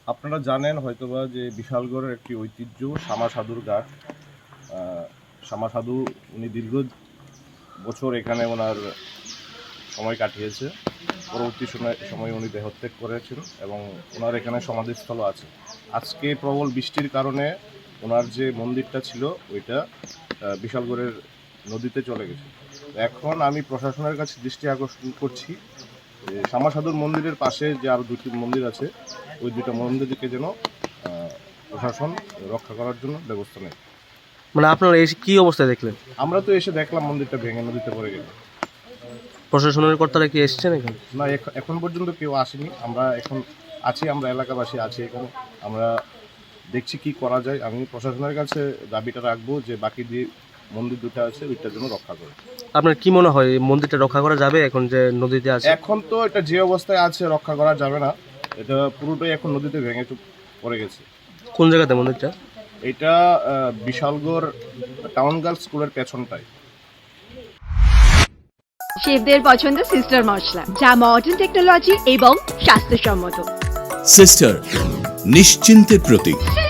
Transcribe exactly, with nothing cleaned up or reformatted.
আপনারা জানেন হয়তোবা যে বিশালগড়ের একটি ঐতিহ্য শামা সাধুর ঘাট। শামা সাধু উনি দীর্ঘ বছর এখানে ওনার সময় কাটিয়েছে। পরবর্তী সময় সময় উনি দেহত্যাগ করেছেন এবং ওনার এখানে সমাধিস্থল আছে। আজকে প্রবল বৃষ্টির কারণে ওনার যে মন্দিরটা ছিল ওইটা বিশালগড়ের নদীতে চলে গেছে। এখন আমি প্রশাসনের কাছে দৃষ্টি আকর্ষণ করছি শামা সাধুর মন্দিরের পাশে যে আরও দুটি মন্দির আছে ওই দুটো মন্দিরকে যেন প্রশাসন রক্ষা করার জন্য ব্যবস্থা নেয়। মানে আপনারা এসে কি অবস্থায় দেখলেন? আমরা তো এসে দেখলাম মন্দিরটা ভেঙে নদীতে পড়ে গেল। প্রশাসনের কর্তারা কি এসেছেন এখানে? না, এখন পর্যন্ত কেউ আসেনি। আমরা এখন আছি, আমরা এলাকাবাসী আছি এখানে। আমরা দেখছি কি করা যায়। আমি প্রশাসনের কাছে দাবিটা রাখবো যে বাকি যে মন্দির দুটো আছে ওইটার জন্য রক্ষা করে। আপনার কি মনে হয় এই মন্দিরটা রক্ষা করা যাবে এখন যে নদীতে আছে? এখন তো এটা যে অবস্থায় আছে রক্ষা করা যাবে না। এটা পুরোটাই এখন নদীতে ভেঙে পড়ে গেছে। কোন জায়গাতে মন্দিরটা? এটা বিশালগড় টাউন গার্লস স্কুলের পেছনটায়। শেফদের পছন্দ সিস্টার মশলা, যা মডার্ন টেকনোলজি এবং স্বাস্থ্যসম্মত। সিস্টার নিশ্চিন্তের প্রতীক।